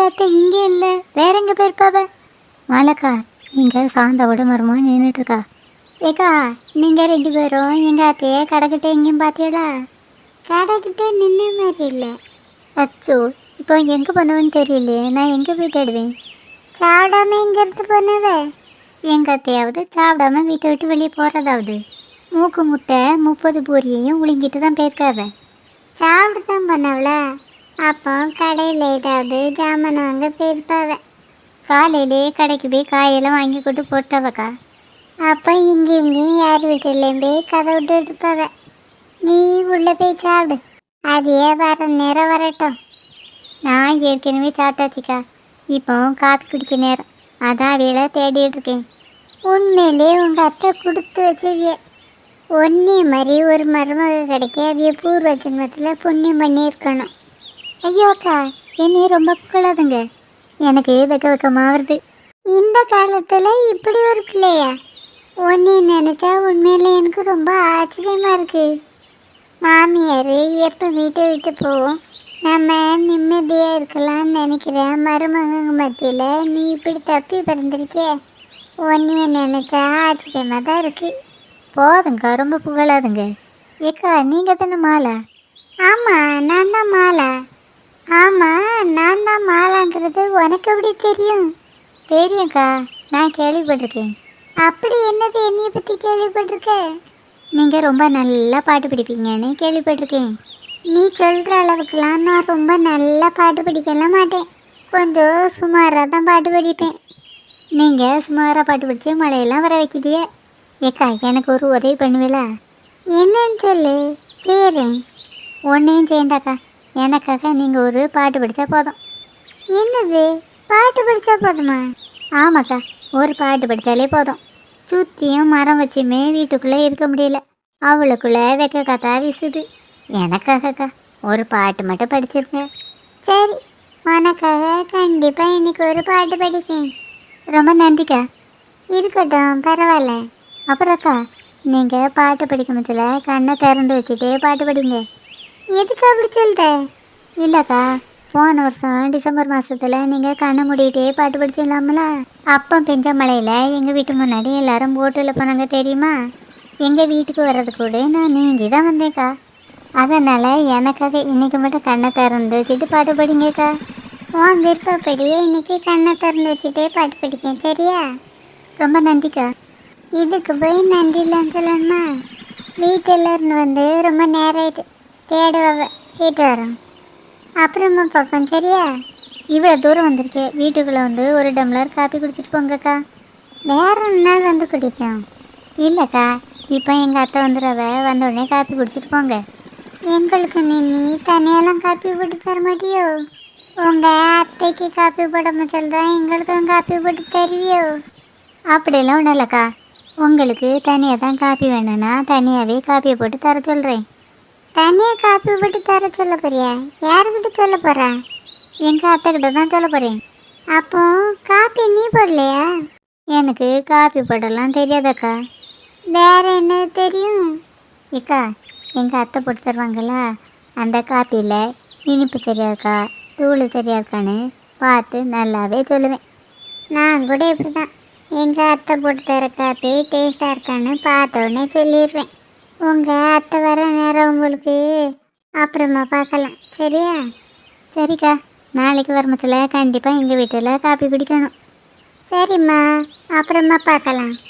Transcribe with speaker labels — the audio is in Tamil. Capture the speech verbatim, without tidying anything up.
Speaker 1: அத்தை இங்கே இல்லை, வேற எங்கே போயிருப்பாவ? மாலக்கா, இங்கே சாந்தாவோட மரமாக நின்றுட்டுருக்கா. ஏக்கா, நீங்கள் ரெண்டு பேரும் எங்கள் அத்தையே கடைக்கிட்ட எங்கேயும் பார்த்தீங்களா? கடைக்கிட்ட நின்ன மாதிரி இல்லை. அச்சோ, இப்போ எங்கே பண்ணுவேன்னு தெரியலையே, நான் எங்கே போய் தேடுவேன்? சாப்பிடாம எங்கேருந்து போனவ? எங்கள் அத்தையாவது சாப்பிடாம வீட்டை விட்டு வெளியே போகிறதாவது. மூக்கு முட்டை முப்பது பூரியையும் உளிங்கிட்டு தான் போயிருக்காவ. சாப்பிட்டு தான் பண்ணவள. அப்போ கடையில் ஏதாவது ஜாமான் வாங்க போயிருப்பாவ. காலையிலே கடைக்கு போய் காயெல்லாம் வாங்கி கொண்டு போட்டவக்கா. அப்போ இங்கே இங்கேயும் யார் வீட்டிலையும் போய் கதை விட்டு எடுப்பாவ. நீ உள்ளே போய் சாப்பிடு, அதையே வர நேரம் வரட்டும். நான் ஏற்கனவே சாப்பிட்டாச்சுக்கா, இப்போ காப்பி குடிக்க நேரம், அதான் அவையில தேடிட்டு இருக்கேன். உண்மையிலே உங்கள் அத்தை கொடுத்து வச்சவிய. ஒன்னே மாதிரி ஒரு மருமக கிடைக்க அவிய பூர்வ ஜென்மத்தில் புண்ணியம் பண்ணியிருக்கணும். ஐயோ அக்கா, என்னையே ரொம்ப புகழாதுங்க, எனக்கு வெக்க வெக்கமாக வருது. இந்த காலத்தில் இப்படி ஒரு பிள்ளையா? ஒன்னே நினச்சா உண்மையில எனக்கு ரொம்ப ஆச்சரியமாக இருக்குது. மாமியார் எப்போ வீட்டை விட்டு போவோம், நம்ம நிம்மதியாக இருக்கலாம்னு நினைக்கிறேன். மருமகங்க மத்தியில் நீ இப்படி தப்பி பிறந்திருக்கே, ஒன்றைய நினைச்சா ஆச்சரியமாக தான் இருக்குது. போதுங்க, ரொம்ப புகழாதுங்க. ஏக்கா, நீங்கள் தானே மாலா? ஆமாம், நான் தான் மாலா. ஆமாம், நான் தான் மாலாங்கிறது உனக்கு எப்படி தெரியும்? தெரியும்க்கா, நான் கேள்விப்பட்டிருக்கேன். அப்படி என்னது என்னையை பற்றி கேள்விப்பட்டிருக்க? நீங்கள் ரொம்ப நல்லா பாட்டு படிப்பீங்கன்னு கேள்விப்பட்டிருக்கேன். நீ சொல்கிற அளவுக்குலாம் நான் ரொம்ப நல்லா பாட்டு படிக்கலாம் மாட்டேன், கொஞ்சம் சுமாராக தான் பாட்டு படிப்பேன். நீங்கள் சுமாராக பாட்டு படித்து மழையெல்லாம் வர வைக்கிறியே. ஏக்கா, எனக்கு ஒரு உதவி பண்ணுவீங்களா? என்னன்னு சொல்லு, செய்கிறேன். ஒன்றையும் செய்யண்டாக்கா, எனக்காக நீங்கள் ஒரு பாட்டு படித்தா போதும். என்னது, பாட்டு படித்தா போதுமா? ஆமாக்கா, ஒரு பாட்டு படித்தாலே போதும். சுற்றியும் மரம் வச்சுமே வீட்டுக்குள்ளே இருக்க முடியல, அவளுக்குள்ளே வெக்க கத்தா வீசுது. எனக்காகக்கா ஒரு பாட்டு மட்டும் படிச்சிருக்கேன். சரி, உனக்காக கண்டிப்பாக இன்னைக்கு ஒரு பாட்டு படிக்கேன். ரொம்ப நன்றிக்கா. இருக்கட்டும், பரவாயில்ல. அப்புறம்க்கா, நீங்கள் பாட்டு படிக்க முடியல கண்ணை திறந்து வச்சுட்டே பாட்டு படிங்க. எதுக்கு அப்படி சொல்கிற? இல்லைக்கா, போன வருஷம் டிசம்பர் மாதத்தில் நீங்கள் கண்ணை மூடிக்கிட்டே பாட்டு படிச்சிடலாமல, அப்போ பெஞ்ச மழையில் எங்கள் வீட்டு முன்னாடி எல்லாரும் போட்டில் போனாங்க தெரியுமா? எங்கள் வீட்டுக்கு வர்றது கூட நான் நீங்கி தான் வந்தேன்க்கா. அதனால் எனக்காக இன்றைக்கி மட்டும் கண்ணை திறந்து வச்சுட்டு பாட்டு படிங்கக்கா. உன் விருப்பப்படியே இன்றைக்கி கண்ணை திறந்து வச்சுட்டே பாட்டு படிக்கேன், சரியா? ரொம்ப நன்றிக்கா. இதுக்கு போய் நன்றிலாம் சொல்லணுமா? வீட்டில் இருந்து வந்து ரொம்ப நேரம் ஆயிட்டு, தேடுவ வீட்டு வரோம், அப்புறமா பார்ப்போம், சரியா? இவ்வளோ தூரம் வந்திருக்கேன், வீட்டுக்குள்ளே வந்து ஒரு டம்ளர் காப்பி குடிச்சிட்டு போங்கக்கா. வேற ஒரு நாள் வந்து குடிக்கும். இல்லைக்கா, இப்போ எங்கள் அத்தை வந்துடுறவ, வந்தோடனே காப்பி குடிச்சிட்டு போங்க. எங்களுக்கு நீ நீ தனியெல்லாம் காப்பி போட்டு தர மாட்டியோ? உங்கள் அத்தைக்கு காப்பி போட மச்சல் தான் எங்களுக்கும் காப்பி போட்டு தருவியோ? அப்படியெல்லாம் ஒன்றும் இல்லைக்கா, உங்களுக்கு தனியாக தான் காப்பி வேணும்னா தனியாகவே காப்பியை போட்டு தர சொல்கிறேன். தனியாக காப்பி போட்டு தர சொல்ல போறியா? யாருக்கிட்ட சொல்ல போகிறா? எங்கள் அத்தைக்கிட்ட தான் சொல்ல போகிறேன். அப்போ காப்பி நீ போடலையா? எனக்கு காப்பி போடலாம் தெரியாதக்கா. வேற என்ன தெரியும்? ஏக்கா, எங்கள் அத்தை போட்டு தருவாங்கள்ல, அந்த காப்பியில் இனிப்பு சரியா இருக்கா, தூள் சரியா இருக்கான்னு பார்த்து நல்லாவே சொல்லுவேன். நான் கூட இப்படி தான், எங்கள் அத்தை போட்டு தர காப்பி டேஸ்ட்டாக இருக்கான்னு பார்த்தோன்னே சொல்லிடுவேன். உங்கள் அத்தை வர நேரம் உங்களுக்கு அப்புறமா பார்க்கலாம், சரியா? சரிக்கா, நாளைக்கு வரமத்தில் கண்டிப்பாக எங்கள் வீட்டில் காப்பி குடிக்கணும். சரிம்மா, அப்புறமா பார்க்கலாம்.